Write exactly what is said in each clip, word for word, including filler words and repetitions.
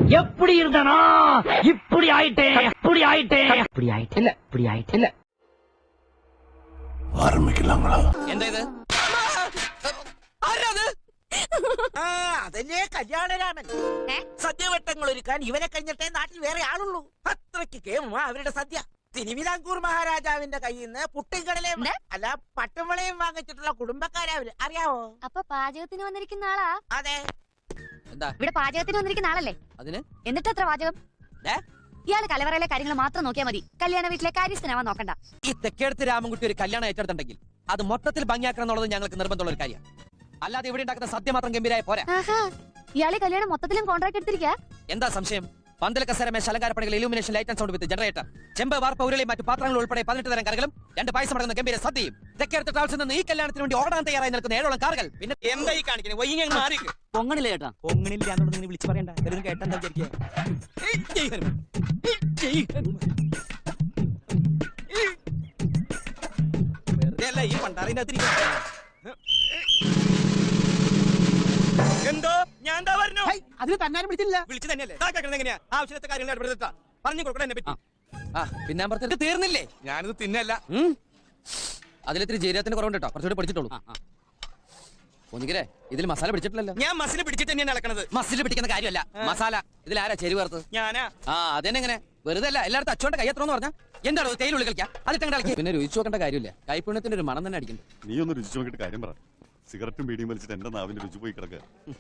எப்படி இருந்தனா இப்படி ஆயிட்டே இப்படி ஆயிட்டே இப்படி ஆயிட்டே இல்ல இப்படி ஆயிட்டே இல்ல ആരംഭിക്കലാങ്ങളാ. എന്താ ഇത്? ആരാത്? അതല്ലേ കല്യാണരാമൻ. സദ്യവട്ടങ്ങൾ ഒരുക്കാൻ ഇവനെ കഴിഞ്ഞിട്ടേ നാട്ടിൽ വേറെ ആളുള്ളൂ. അത്രയ്ക്ക് കേമ അവരുടെ സദ്യ. തിരുവിതാംകൂർ മഹാരാജാവിന്റെ കയ്യിൽ നിന്ന് പുട്ടിൻകടലയും അല്ല പട്ടുമളയും വാങ്ങിച്ചിട്ടുള്ള കുടുംബക്കാരാവില്ല. അറിയാവോ? അപ്പൊ പാചകത്തിന് വന്നിരിക്കുന്ന ആളാ? അതെ. എന്താ ഇവിടെ പാചകത്തിന് വന്നിരിക്കുന്ന ആളല്ലേ? അതിന് എന്നിട്ട് എത്ര പാചകം? ഇയാള് കലവറയിലെ കാര്യങ്ങൾ മാത്രം നോക്കിയാൽ മതി. കല്യാണ വീട്ടിലെ കാര്യസ്ഥനാവാൻ നോക്കണ്ട. ഈ തെക്കേടത്ത് രാമൻകുട്ടി ഒരു കല്യാണം ഏറ്റെടുത്തിട്ടുണ്ടെങ്കിൽ അത് മൊത്തത്തിൽ ഭംഗിയാക്കണം എന്നുള്ളത് ഞങ്ങൾക്ക് നിർബന്ധമുള്ള ഒരു കാര്യം. അല്ലാതെ ഇവിടെ ഉണ്ടാക്കുന്ന സദ്യ മാത്രം ഗംഭീരായ പോരാ. ഇയാളെ കല്യാണം മൊത്തത്തിലും കോൺട്രാക്ട് എടുത്തിരിക്കാ? എന്താ സംശയം? പന്തൽ കസേരമേ ശലങ്കാരപ്പണികൾ illumination light and sound with generator, ചെമ്പ് വാർപ്പ ഉരുളി മറ്റു പാത്രങ്ങൾ ഉൾപ്പെടെ പതിനെട്ട് തരം കറികളും രണ്ട് പായസം അടങ്ങുന്ന ഗംഭീര സദ്യയും. തെക്കേടത്ത് ട്രാവൽസിൽ നിന്ന് ഈ കല്യാണത്തിന് വേണ്ടി ഓടാൻ തയ്യാറായി നിൽക്കുന്ന ഏഴോളം കാറുകൾ. പിന്നെ എന്താ ഈ കാണിക്കുന്നത്? പൊങ്ങണില്ല ചേട്ടാ, പൊങ്ങണില്ല എന്നുള്ളത് നിങ്ങൾ വിളിച്ചു പറയണ്ട. കേട്ടെന്താ വിചാരിക്കുക? ഈ പണ്ടാറിനകത്തിരിക്കും. എന്തോ ഞാൻ എന്താ പറഞ്ഞു? അതിന് തന്നാരും വിളിച്ചില്ല. വിളിച്ചു തന്നെയല്ലേ? എങ്ങനെയാ ആവശ്യത്തെ കാര്യങ്ങൾ ഇടപെടുത്താ പറഞ്ഞു കൊടുക്കണം എന്നെ പറ്റി. ആ പിന്നെ പറഞ്ഞത് തീർന്നില്ലേ? ഞാനിത് തിന്നല്ല. അതിലിത്തിരി ജീരകത്തിന്റെ കുറവുണ്ട് കേട്ടോ, കുറച്ചുകൂടി പഠിച്ചിട്ടുള്ളൂ. ഒന്നിക്കലേ ഇതിൽ മസാല പിടിച്ചിട്ടില്ലല്ലോ. ഞാൻ മസിൽ പിടിച്ചിട്ട് തന്നെയാണ് ഇളക്കണത്. മസിൽ പിടിക്കുന്ന കാര്യമല്ല മസാല. ഇതിൽ ആരാ ചെരി ചേർത്ത്? ഞാനാ. ആ അതെങ്ങനെ വെറുതെ അല്ല, എല്ലായിടത്തും അച്ചോണ്ട് കയ്യത്രോന്ന് പറഞ്ഞാ എന്താണോ തേയിലുള്ളി കളിക്കാം. അതിട്ട് കളിക്കാം. പിന്നെ രുചിച്ചു നോക്കേണ്ട കാര്യമില്ല, കൈപ്പുണ്യത്തിന്റെ ഒരു മണം തന്നെ അടിക്കുന്നു. നീ ഒന്ന് രുചിച്ചു നോക്കിയിട്ട് കാര്യം പറ. സിഗരറ്റും ബീഡിയും വലിച്ചിട്ട് എന്റെ നാവിന്റെ രുചി പോയി കിടക്കുക.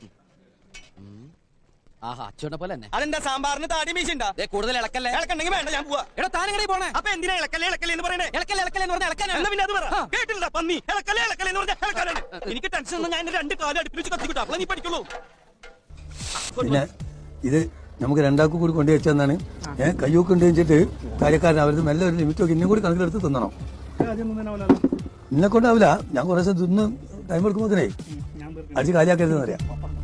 ആഹാ അച്ചോട്ടെ പോലെ തന്നെ. അതെന്താ സാമ്പാറിന് താടി മീശുണ്ടാ? കൂടുതൽ ഇളക്കല്ലേ? ഇളക്കണ്ടെങ്കിൽ വേണ്ട, ഞാൻ പോവാ. എടാ താനെങ്ങനെ പോണേ? അപ്പൊ എന്തിനാ ഇളക്കല്ലേ ഇളക്കല്ലേ എന്ന് പറയണേ? ഇളക്കല്ലേ ഇളക്കല്ലേ എന്ന് പറഞ്ഞാൽ ഇളക്കാനാ. പിന്നെ അത് പറ. കേട്ടില്ല പന്നി. ഇളക്കല്ലേ ഇളക്കല്ലേ എന്ന് പറഞ്ഞാൽ ഇളക്കാനാണ്. എനിക്ക് ടെൻഷൻ ഒന്നും, ഞാൻ രണ്ട് കാലം അടുപ്പിൽ വെച്ച് കത്തിക്കിട്ടാ. അപ്പോൾ നീ പഠിക്കുള്ളൂ. പിന്നെ ഇത് നമുക്ക് രണ്ടാൾക്കും കൂടി കൊണ്ടു വെച്ചെന്നാണ് ഞാൻ കയ്യൊക്കെ ഉണ്ട് വെച്ചിട്ട് കാര്യക്കാരൻ അവർക്ക് മെല്ലെ ഒരു ലിമിറ്റ് ഒക്കെ ഇന്നും കൂടി കണക്കിലെടുത്ത് തിന്നണം. എന്നെ കൊണ്ടാവില്ല, ഞാൻ കുറേ ദിവസം തിന്ന് ടൈം എടുക്കുമ്പോഴേ അടിച്ച് കാര്യമാക്കരുതെന്ന് അറിയാം.